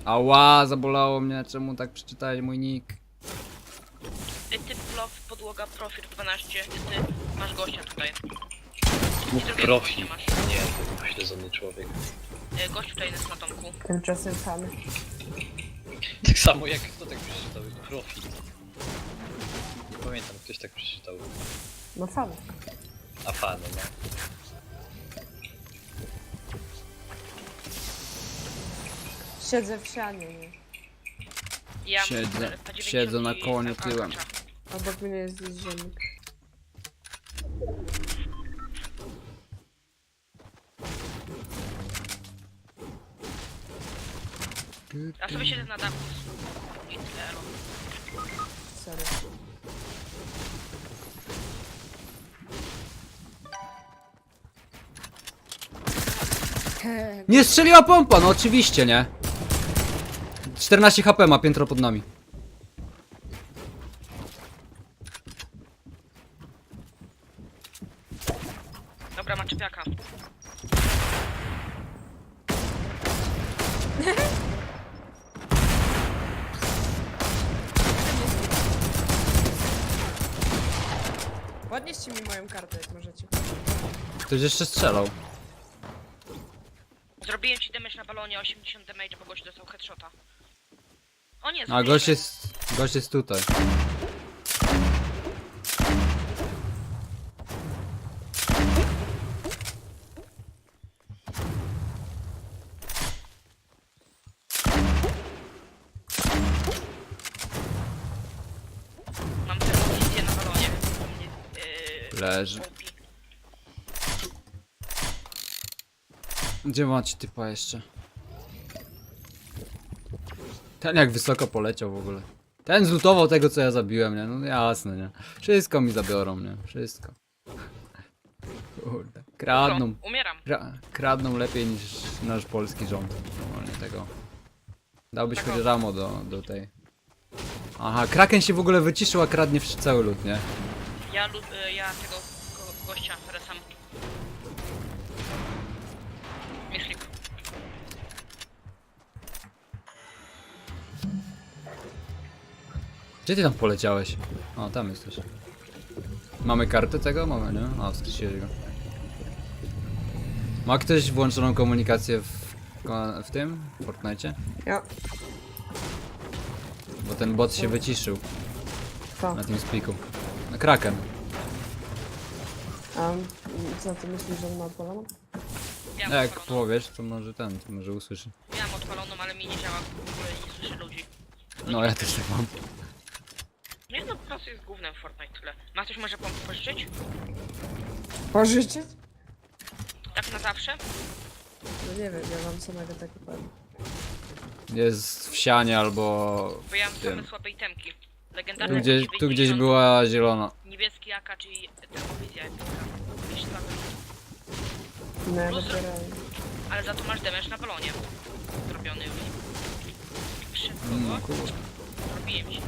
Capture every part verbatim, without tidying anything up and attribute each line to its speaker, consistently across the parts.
Speaker 1: Ała, zabolało mnie, czemu tak przeczytałeś mój nick?
Speaker 2: Ty, ty plow, podłoga, profil dwanaście, ty, ty masz gościa tutaj.
Speaker 3: Mów
Speaker 2: drugiego
Speaker 3: profil.
Speaker 2: gościa masz.
Speaker 3: Nie, to pośledzony człowiek.
Speaker 2: E, Gość tutaj jest na domku.
Speaker 4: Tymczasem samy.
Speaker 3: Tak samo jak kto tak przeczytał? Profil. Nie pamiętam, ktoś tak przeczytał.
Speaker 4: No samy.
Speaker 3: A fany, no.
Speaker 4: Siedzę w sianie, nie?
Speaker 2: Ja mam
Speaker 1: Siedzę-
Speaker 2: P dziewięćdziesiąt
Speaker 1: siedzę na
Speaker 2: i
Speaker 1: koniu
Speaker 2: A K
Speaker 1: tyłem.
Speaker 2: kacza.
Speaker 4: Obok mnie jest gdzieś ziemnik.
Speaker 2: Ja sobie siedzę na dachu. I tyle, elo.
Speaker 4: Sorry.
Speaker 1: Nie strzeliła pompa, no oczywiście, nie? czternaście HP ma piętro pod nami.
Speaker 2: Dobra, ma czepiaka.
Speaker 4: Podnieście mi moją kartę, jak możecie.
Speaker 1: Ktoś jeszcze strzelał.
Speaker 2: Zrobiłem ci damage na balonie, osiemdziesiąt damage, bo gość dostał headshota. O nie,
Speaker 1: A
Speaker 2: zrobiliśmy.
Speaker 1: gość jest, gość jest tutaj.
Speaker 2: Mam termowizyję na balonie. Yy,
Speaker 1: Leży.
Speaker 2: O P.
Speaker 1: Gdzie macie typa jeszcze? Ten jak wysoko poleciał w ogóle. Ten zlutował tego co ja zabiłem, nie? No jasne, nie? Wszystko mi zabiorą, nie? Wszystko. Kurde. Kradną.
Speaker 2: Co? Umieram.
Speaker 1: Kra kradną lepiej niż nasz polski rząd. Normalnie tego. Dałbyś
Speaker 2: Tak
Speaker 1: choć
Speaker 2: o.
Speaker 1: ramo do, do tej. Aha, Kraken się w ogóle wyciszył, a kradnie wsz- cały lód, nie?
Speaker 2: Ja, lub, y, ja tego go, gościa resam. Myślik.
Speaker 1: Gdzie ty tam poleciałeś? O, tam jesteś. Mamy kartę tego? Mamy, nie? A, wskrzesiłeś go. Ma ktoś włączoną komunikację w, w tym? W Fortnite?
Speaker 4: Ja.
Speaker 1: Bo ten bot się wyciszył
Speaker 4: Co?
Speaker 1: na tym spiku. No, Kraken.
Speaker 4: A co ty myślisz, że on ma odpaloną?
Speaker 2: Ja mam
Speaker 1: Jak
Speaker 2: odpaloną.
Speaker 1: powiesz, to może ten, to może usłyszy.
Speaker 2: Ja mam odpaloną, ale mi nie działa, w ogóle nie słyszę ludzi.
Speaker 1: No ja też tak mam.
Speaker 2: Nie no, po prostu jest głównym w Fortnite, tyle. Ma ktoś może pomóc pożyczyć?
Speaker 4: Pożyczyć?
Speaker 2: Tak na zawsze?
Speaker 4: No nie wiem, ja mam samego tak powiem.
Speaker 1: Jest w sianie albo
Speaker 2: Bo ja mam
Speaker 1: w tym.
Speaker 2: same słabe itemki.
Speaker 1: Tu
Speaker 2: Legendarne
Speaker 1: gdzieś, tu gdzieś
Speaker 2: dziewięćdziesiąt,
Speaker 1: była zielona.
Speaker 2: Niebieski A K, czyli termowizja. Jakieś słabe.
Speaker 4: No ja
Speaker 2: Plus-
Speaker 4: dopiero...
Speaker 2: Ale za to masz damage na balonie. Zrobiony już. Szybko
Speaker 1: No
Speaker 2: go.
Speaker 1: kurde.
Speaker 2: Zrobiłem ci.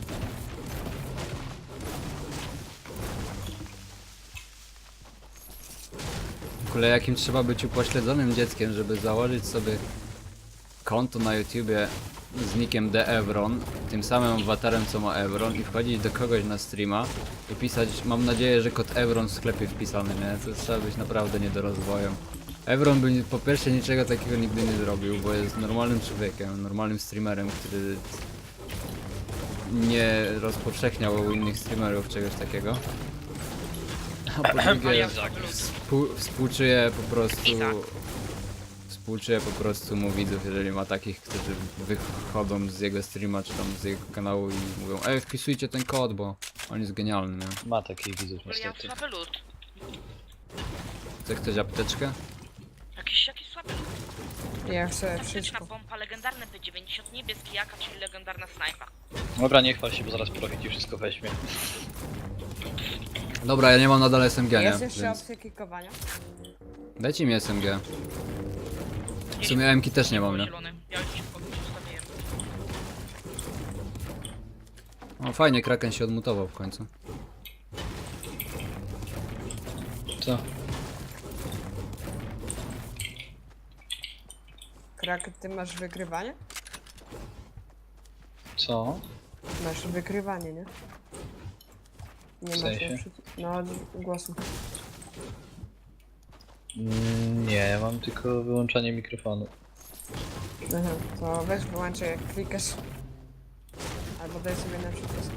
Speaker 1: W ogóle jakim trzeba być upośledzonym dzieckiem, żeby założyć sobie konto na YouTubie z nickiem TheEvron, tym samym awatarem co ma Evron i wchodzić do kogoś na streama i pisać, mam nadzieję, że kod Evron w sklepie wpisany, nie? To trzeba być naprawdę niedorozwojem. Evron by po pierwsze niczego takiego nigdy nie zrobił, bo jest normalnym człowiekiem, normalnym streamerem, który nie rozpowszechniał u innych streamerów czegoś takiego. A po
Speaker 2: A
Speaker 1: drugie,
Speaker 2: ja
Speaker 1: Współ, współczuję po prostu.
Speaker 2: I tak.
Speaker 1: Współczuję po prostu mu widzów, jeżeli ma takich, którzy wychodzą z jego streama czy tam z jego kanału i mówią, ej, wpisujcie ten kod, bo on jest genialny, nie?
Speaker 3: Ma takich widzów
Speaker 2: Ale ja mam
Speaker 3: niestety.
Speaker 2: słaby lód.
Speaker 1: Chce ktoś apteczkę?
Speaker 2: Jakiś, jakiś słaby lód.
Speaker 4: Ja chcę
Speaker 2: Taktyczna
Speaker 4: wszystko.
Speaker 2: pompa, legendarny P dziewięćdziesiąt, niebieski jaka, czyli legendarna snajpa.
Speaker 3: Dobra, nie chwal się, bo zaraz profit i wszystko weźmie.
Speaker 1: Dobra, ja nie mam nadal S M G, nie?
Speaker 4: Jest jeszcze
Speaker 1: Więc
Speaker 4: opcja kikowania?
Speaker 1: dajcie mi S M G. W sumie M K też nie mam, nie?
Speaker 2: Zielony. Ja już szybko zostawiłem.
Speaker 1: O, fajnie, Kraken się odmutował w końcu.
Speaker 3: Co?
Speaker 4: Krak, ty masz wygrywanie?
Speaker 3: Co?
Speaker 4: Masz wykrywanie, nie? Nie
Speaker 3: W
Speaker 4: masz
Speaker 3: sensie?
Speaker 4: na przykład- No, od głosu.
Speaker 3: Mm, nie, ja mam tylko wyłączanie mikrofonu.
Speaker 4: Aha, to weź wyłączaj jak klikasz. Albo daj sobie na przycisk.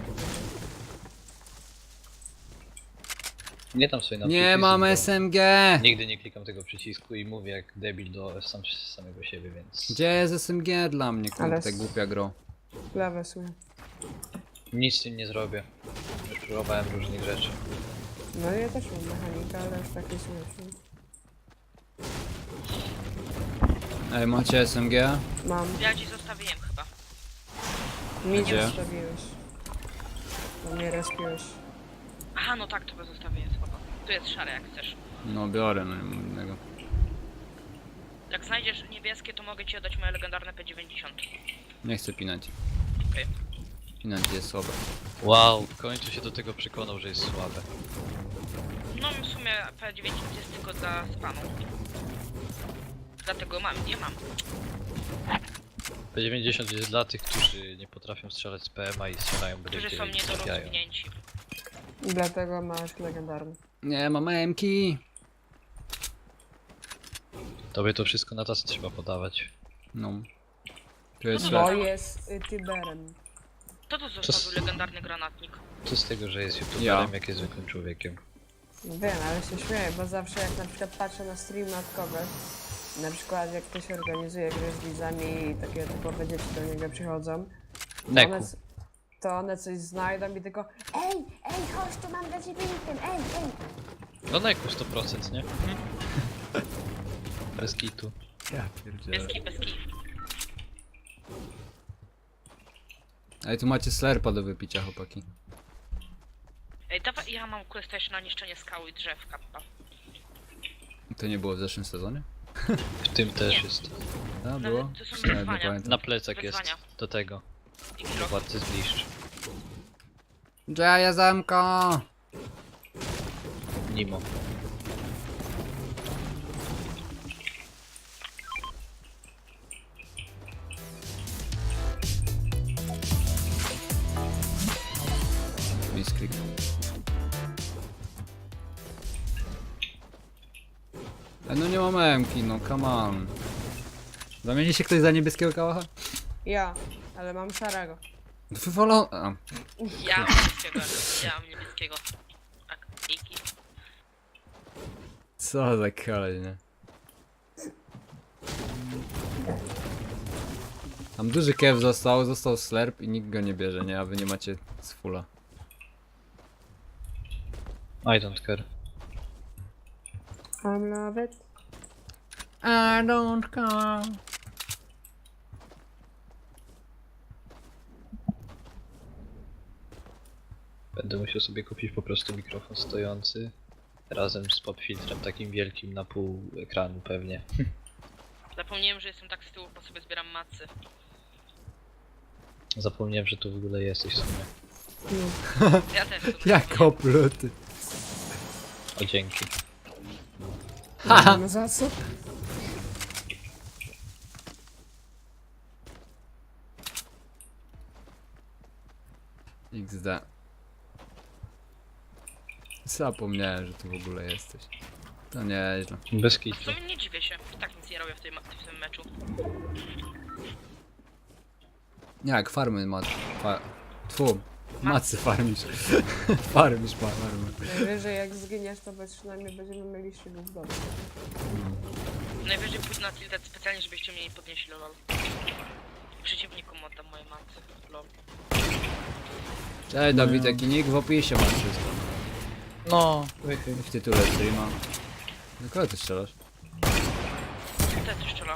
Speaker 3: Nie tam sobie na
Speaker 1: Nie
Speaker 3: przycisk,
Speaker 1: mam
Speaker 3: bo
Speaker 1: S M G!
Speaker 3: Nigdy nie klikam tego przycisku i mówię jak debil do sam samego siebie, więc
Speaker 1: Gdzie jest S M G dla mnie,
Speaker 4: Ale
Speaker 1: kurde,
Speaker 4: s-
Speaker 1: głupia gro.
Speaker 4: Lewę słuchaj.
Speaker 3: nic z tym nie zrobię. Już próbowałem różnych rzeczy.
Speaker 4: No ja też mam mechanika, ale już takiej słuchaj.
Speaker 1: Ej, macie S M G?
Speaker 4: Mam.
Speaker 2: Ja ci zostawiłem chyba.
Speaker 4: Mi
Speaker 1: Gdzie?
Speaker 4: zostawiłeś. To mnie respiłeś.
Speaker 2: Aha, no tak, to go zostawiłem, spoko. Tu jest szare, jak chcesz.
Speaker 1: No biorę, no nie mam innego.
Speaker 2: Jak znajdziesz niebieskie, to mogę ci oddać moje legendarne P dziewięćdziesiąt.
Speaker 1: Nie chcę pinać.
Speaker 2: Okej.
Speaker 1: Pinać jest słabe.
Speaker 3: Wow, w końcu się do tego przekonał, że jest słabe.
Speaker 2: No w sumie P dziewięćdziesiąt jest tylko dla spanu. Dlatego mam, nie mam.
Speaker 3: P dziewięćdziesiąt jest dla tych, którzy nie potrafią strzelać z P M a i strzelają byle
Speaker 2: Którzy
Speaker 3: gdzie
Speaker 2: są
Speaker 3: i trafiają.
Speaker 2: niedorozwinięci.
Speaker 4: I dlatego masz legendarny.
Speaker 1: Nie mam M-ki!
Speaker 3: Tobie to wszystko na tacy trzeba podawać.
Speaker 1: No. Tu jest
Speaker 2: No
Speaker 1: no
Speaker 4: Bo
Speaker 2: dobra.
Speaker 4: jest y, Tiberem.
Speaker 2: Kto to
Speaker 3: s-
Speaker 2: zostawił legendarny granatnik?
Speaker 3: Co z tego, że jest youtuberem,
Speaker 1: Ja.
Speaker 3: jak jest zwykłym człowiekiem?
Speaker 4: Wiem, ale się śmieję, bo zawsze jak na przykład patrzę na stream od kogoś, na przykład jak ktoś organizuje gry z widzami i takie typowe dzieci do niego przychodzą, to
Speaker 3: Neku.
Speaker 4: one, to one coś znajdą i tylko ej, ej, chodź, tu mam dla ciebie item, ej, ej.
Speaker 3: No Neku sto procent, nie? Bez kitu.
Speaker 1: Ja pierdzielę.
Speaker 2: Bez kij, bez kij.
Speaker 1: Ej, tu macie slerpa do wypicia, chłopaki.
Speaker 2: Ej, dawaj, ja mam quest też na niszczenie skały i drzew, kappa.
Speaker 1: To nie było w zeszłym sezonie?
Speaker 3: W tym też
Speaker 2: Nie.
Speaker 3: jest.
Speaker 1: A, było?
Speaker 2: to są
Speaker 1: Nawet nie
Speaker 2: wyzwania.
Speaker 1: pamiętam.
Speaker 3: Na plecach jest
Speaker 2: Wyzwania.
Speaker 3: do tego.
Speaker 2: I kilo.
Speaker 3: Władcy zbliższ.
Speaker 1: Dzieje zamko!
Speaker 3: Nimo.
Speaker 1: Misklik. Ej, no nie mam M-ki, no come on. Zamieni się ktoś za niebieskiego kałacha?
Speaker 4: Ja, ale mam szarego.
Speaker 1: Wywalą... A,
Speaker 2: Ja mam niebieskiego, ja mam niebieskiego. Tak, dzięki.
Speaker 1: co za kolej, nie? Tam duży kew został, został slerp i nikt go nie bierze, nie? A wy nie macie z fulla.
Speaker 3: I don't care.
Speaker 4: I'm love it.
Speaker 1: I don't care.
Speaker 3: Będę musiał sobie kupić po prostu mikrofon stojący. Razem z popfiltrem takim wielkim na pół ekranu pewnie.
Speaker 2: Zapomniałem, że jestem tak z tyłu, bo sobie zbieram macy.
Speaker 3: Zapomniałem, że tu w ogóle jesteś w sumie.
Speaker 2: Ja też. sobie
Speaker 1: Jak opluty.
Speaker 3: O dzięki.
Speaker 4: Nie wiem za co.
Speaker 1: iks de. Zapomniałem, że tu w ogóle jesteś. To nieźle.
Speaker 3: Bez
Speaker 2: W
Speaker 3: kitu.
Speaker 2: sumie nie dziwię się, tak nic nie robię w, tej, ma- w tym meczu.
Speaker 1: Jak farmy ma... Fa... Tfu. Macy farmisz. farmisz ma farmy.
Speaker 4: Najwyżej jak zginiesz, to przynajmniej będziemy mieli szybów w domu.
Speaker 2: Najwyżej pójdę na tilted specjalnie, żebyście mnie nie podnieśli, lol. Przeciwnikom oddam moje macy, lol.
Speaker 1: Cześć Dawid, jaki nick w opisie masz wszystko.
Speaker 3: No,
Speaker 1: W tytule streama. Do kogo ty strzelasz?
Speaker 2: Tilted strzela.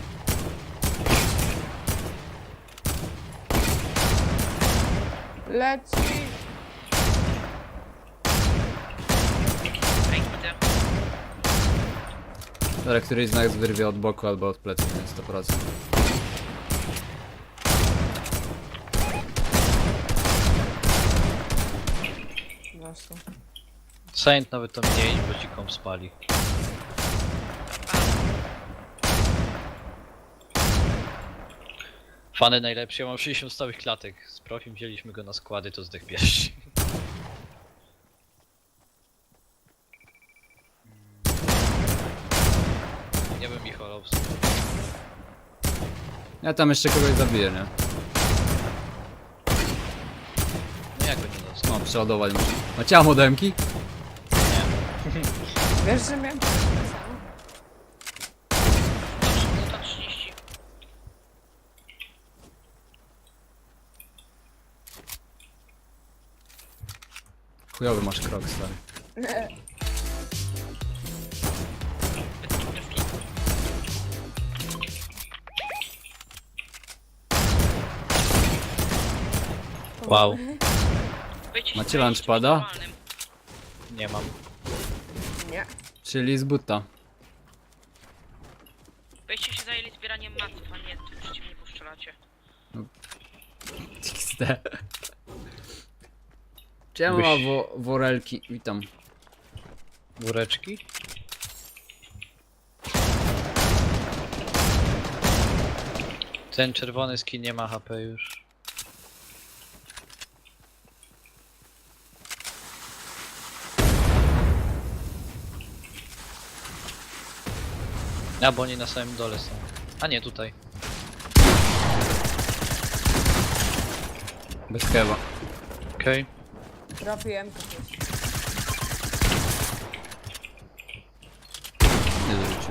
Speaker 4: Leci!
Speaker 2: Ej, widzę.
Speaker 1: Dobra, któryś z nas wyrwie od boku albo od pleców, więc sto procent.
Speaker 4: Właśnie.
Speaker 3: Saint nawet to mniej, bo ci kom spali. Fany najlepszy, ja mam sześćdziesiąt stałych klatek. Z profim wzięliśmy go na składy, to zdech pierwszy. Nie bym ich olał w sumie.
Speaker 1: Ja tam jeszcze kogoś zabiję, nie?
Speaker 3: No jak go nie dostał?
Speaker 1: No, przeładować muszę. Macie amodemki?
Speaker 4: Wiesz, że miałem...
Speaker 2: sto trzydzieści.
Speaker 1: Chujowy masz krok, stary.
Speaker 3: Wow,
Speaker 2: Wyjdźcie się
Speaker 1: Macie
Speaker 2: zająć
Speaker 1: lunchpada?
Speaker 2: czymś normalnym.
Speaker 3: nie mam.
Speaker 4: Nie.
Speaker 1: Czyli z buta.
Speaker 2: Wyście się zajęli zbieraniem maców, a nie tu przeciwnie poszczelacie.
Speaker 1: X D. Czemu
Speaker 3: Byś-
Speaker 1: ma wo worelki? Witam.
Speaker 3: Woreczki? Ten czerwony skin nie ma H P już. A, bo oni na samym dole są. A nie, tutaj.
Speaker 1: Bez kewa.
Speaker 3: Okej.
Speaker 4: Trafiłem kogoś.
Speaker 1: Nie dorzucił.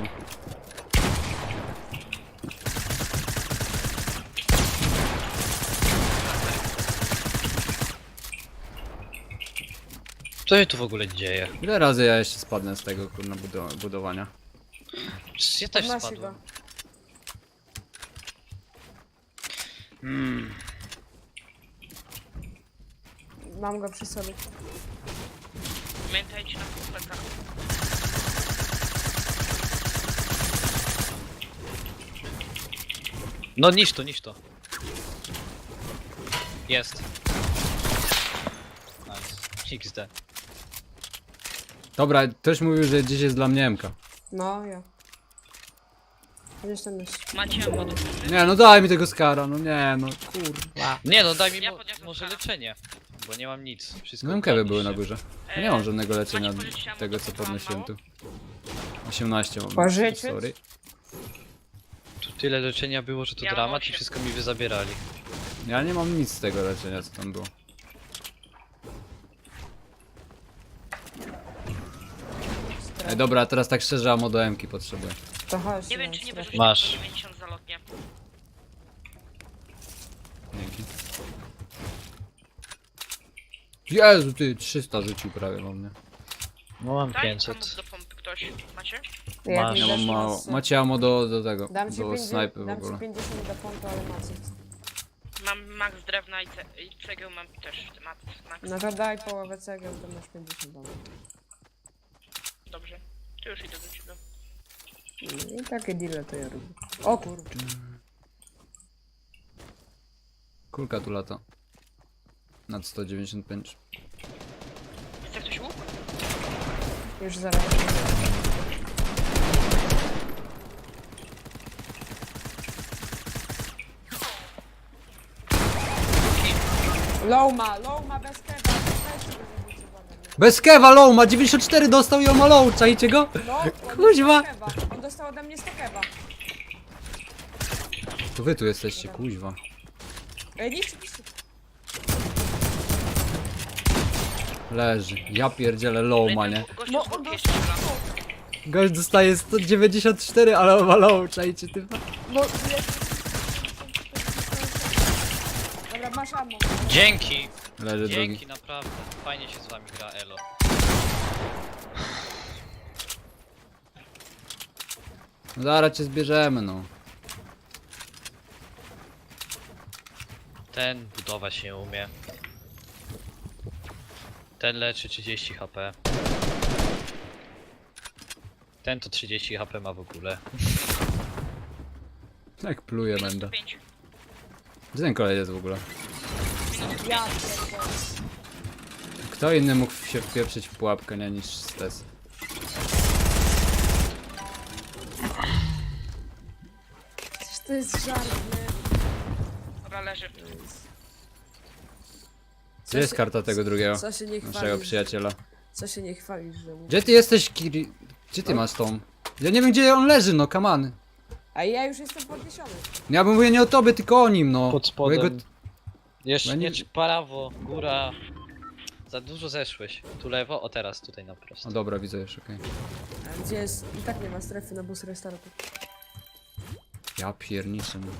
Speaker 3: Co się tu w ogóle dzieje?
Speaker 1: Ile razy ja jeszcze spadnę z tego kurna budo budowania?
Speaker 3: Przecież ja też
Speaker 4: Podnosi
Speaker 3: spadłem.
Speaker 4: go. Mam go przy sobie.
Speaker 2: Pamiętajcie na kompletach.
Speaker 3: No niż to, niż to. Jest. Nice. X D.
Speaker 1: Dobra, ktoś mówił, że dziś jest dla mnie M K.
Speaker 4: No, ja. Gdzieś tam jest.
Speaker 2: Macie modu.
Speaker 1: Nie, no daj mi tego skara, no nie, no kurwa.
Speaker 3: Nie no, daj mi
Speaker 2: Ja
Speaker 3: mo
Speaker 2: podniosłem
Speaker 3: może
Speaker 2: skala.
Speaker 3: leczenie. Bo nie mam nic. Wszystko
Speaker 1: No M K by były
Speaker 3: ukradliście.
Speaker 1: na górze. Ja nie mam żadnego leczenia
Speaker 2: macie pożyczyć ammo,
Speaker 1: tego
Speaker 2: to
Speaker 1: co
Speaker 2: wam
Speaker 1: podnosiłem
Speaker 2: mało?
Speaker 1: tu. osiemnaście mam.
Speaker 4: Pożyczyć?
Speaker 1: Sorry.
Speaker 3: Tu tyle leczenia było, że to
Speaker 2: Ja mam
Speaker 3: dramat i
Speaker 2: osiem.
Speaker 3: wszystko mi wyzabierali.
Speaker 1: Ja nie mam nic z tego leczenia co tam było. Ej, dobra, teraz tak szczerze, amo do M-ki potrzebuję.
Speaker 4: To chodź.
Speaker 2: Nie wiem czy nie
Speaker 4: strefę.
Speaker 2: wyrzucić
Speaker 3: Masz.
Speaker 2: dziewięćdziesiąt zalotnie.
Speaker 1: Dzięki. Jezu, ty, trzysta rzucił prawie mam, nie?
Speaker 3: No mam
Speaker 2: Daj
Speaker 3: pięćset.
Speaker 2: pomóc do pompy ktoś. Macie?
Speaker 4: Jak
Speaker 3: Masz.
Speaker 4: mi
Speaker 1: Ja
Speaker 4: dasz
Speaker 1: mam mało.
Speaker 4: masy?
Speaker 1: Macie amo do, do tego,
Speaker 4: Dam ci,
Speaker 1: do
Speaker 4: pięćdziesiąt,
Speaker 1: snajpy w
Speaker 4: dam ci
Speaker 1: ogóle.
Speaker 4: pięćdziesiąt do pompy, ale macy.
Speaker 2: Mam max drewna i, ce i cegieł mam też. Max. max.
Speaker 4: No to daj połowę cegieł, to masz pięćdziesiąt dolarów.
Speaker 2: Dobrze. To już idę do ciebie.
Speaker 4: I takie deale to ja robię. O kurczę.
Speaker 1: Kulka tu lata. Nad sto dziewięćdziesiąt pięć.
Speaker 2: Chce ktoś łuk?
Speaker 4: Już zaraz. Low ma, low ma bez keba. Weźcie go zabijcie ode mnie.
Speaker 1: Bez kewa low ma dziewięćdziesiąt cztery dostał i on ma low, czajcie go?
Speaker 4: No, on
Speaker 1: Kuźwa.
Speaker 4: dostał keba. On dostał ode mnie sto keba.
Speaker 1: To wy tu jesteście, kuźwa.
Speaker 4: Ej, niszczy, niszczy.
Speaker 1: Leży. Ja pierdzielę low ma, nie?
Speaker 2: Gościu
Speaker 4: No,
Speaker 2: z
Speaker 4: on
Speaker 2: górki
Speaker 4: dostał...
Speaker 2: jeszcze strzela.
Speaker 1: Gość dostaje sto dziewięćdziesiąt cztery, ale on ma low, czajcie ty.
Speaker 4: No, dobra, masz ammo.
Speaker 3: Dzięki!
Speaker 1: Leży drugi.
Speaker 3: Dzięki, naprawdę. Fajnie się z wami gra, elo.
Speaker 1: No zaraz cię zbierzemy, no.
Speaker 3: Ten budowa się umie. Ten leczy trzydzieści H P. Ten to trzydzieści H P ma w ogóle.
Speaker 1: Jak pluje
Speaker 2: Minus
Speaker 1: będę.
Speaker 2: sto pięć.
Speaker 1: Gdzie ten kolej jest w ogóle?
Speaker 4: Ja pierdolę.
Speaker 1: Kto inny mógł się wpieprzyć w pułapkę, nie, niż stres?
Speaker 4: Przecież to jest żart, nie?
Speaker 2: Dobra, leży.
Speaker 1: Gdzie jest karta tego drugiego?
Speaker 4: Co się nie
Speaker 1: Naszego
Speaker 4: chwalisz?
Speaker 1: przyjaciela.
Speaker 4: Co się nie chwalisz, że mu...
Speaker 1: Gdzie ty jesteś, Kiri? Gdzie ty masz tą? Ja nie wiem, gdzie on leży, no, kaman.
Speaker 4: A ja już jestem podniesiony.
Speaker 1: Ja bym mówię nie o tobie, tylko o nim, no.
Speaker 3: Pod
Speaker 1: Bo
Speaker 3: spodem.
Speaker 1: jego-
Speaker 3: Jeszcze
Speaker 1: No nie-
Speaker 3: nie prawo, góra. Za dużo zeszłeś. Tu lewo, o teraz tutaj na prosto.
Speaker 1: O dobra, widzę już, okej.
Speaker 4: A gdzie jest... I tak nie ma strefy na bus restartu.
Speaker 1: Ja pierniczę, no.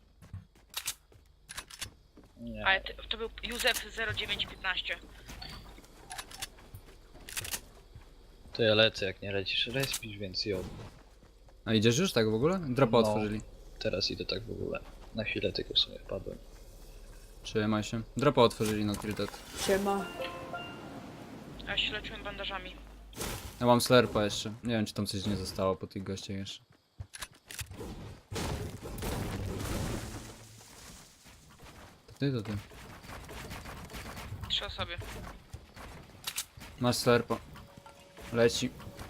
Speaker 3: Nie.
Speaker 2: Ale ty, to był Józef zero dziewięć piętnaście.
Speaker 3: To ja lecę, jak nie lecisz, respisz, więc ją.
Speaker 1: A idziesz już tak w ogóle? Dropa
Speaker 3: No.
Speaker 1: otworzyli.
Speaker 3: Teraz idę tak w ogóle. Na chwilę tylko sobie wpadłem.
Speaker 1: Trzymaj się. Dropa otworzyli na Tilted.
Speaker 4: Siema.
Speaker 2: Ja się leczyłem bandażami.
Speaker 1: Ja mam slerpa jeszcze. Nie wiem, czy tam coś nie zostało po tych gościach jeszcze. To ty, to ty.
Speaker 2: Trzy osoby.
Speaker 1: Masz slerpa. Leci.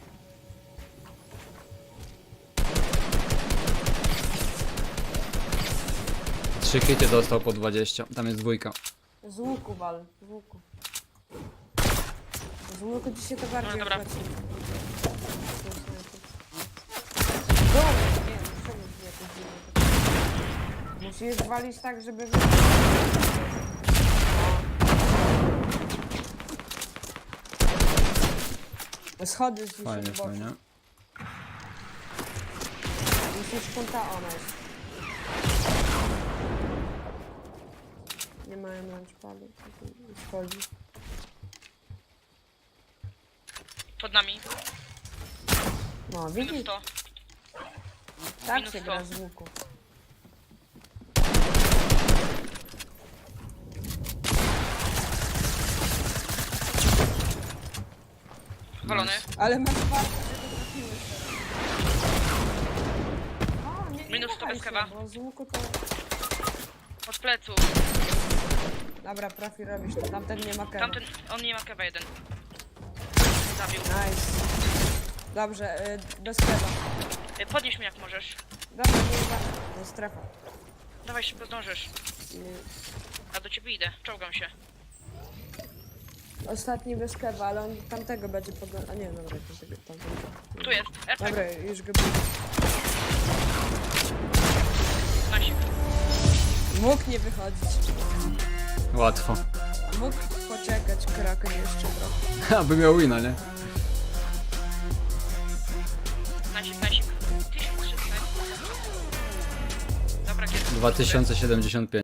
Speaker 1: Trzy hity dostał po dwadzieścia. Tam jest dwójka.
Speaker 4: Z łuku wal. Z łuku. Z łuku dzisiaj to bardziej
Speaker 2: No dobra.
Speaker 4: opłaci. Dobra, nie, czemu nie jakoś dziwnie? Musisz walić tak, żeby... wy- O. Schody z
Speaker 1: Fajnie,
Speaker 4: boku.
Speaker 1: fajnie.
Speaker 4: Musisz kąta ona jest. Nie mają launchpadu. Schodzi.
Speaker 2: Pod nami.
Speaker 4: No,
Speaker 2: Minus
Speaker 4: widzisz?
Speaker 2: sto.
Speaker 4: Tak
Speaker 2: minus
Speaker 4: się
Speaker 2: sto.
Speaker 4: gra z łuku.
Speaker 2: Walony.
Speaker 4: Ale masz warto, że to trafiłeś teraz. O, nie, nie
Speaker 2: Minus sto
Speaker 4: wahaj
Speaker 2: bez
Speaker 4: się,
Speaker 2: kawa.
Speaker 4: bo z łuku to...
Speaker 2: Od pleców.
Speaker 4: Dobra, profi robisz to. Tamten nie ma kewa.
Speaker 2: Tamten, on nie ma kewa jeden. Zabił.
Speaker 4: Nice. Dobrze, y, bez kewa.
Speaker 2: Y, Podnieś mnie jak możesz.
Speaker 4: Dobra, nie ma. No strefa.
Speaker 2: Dawaj szybko zdążysz.
Speaker 4: Nie.
Speaker 2: A do ciebie idę. Czołgam się.
Speaker 4: Ostatni bez kewa, ale on tamtego będzie podglądał. A nie, dobra, tamtego, tamtego.
Speaker 2: Tu jest. R P G.
Speaker 4: Dobra, już go był.
Speaker 2: Nasik.
Speaker 4: Mógł nie wychodzić.
Speaker 1: Łatwo.
Speaker 4: Mógł poczekać Kraken jeszcze trochę.
Speaker 1: Aby miał wina, nie?
Speaker 2: Nasik, nasik. tysiąc trzysta. Dobra, kiedy?
Speaker 1: dwa tysiące siedemdziesiąt pięć.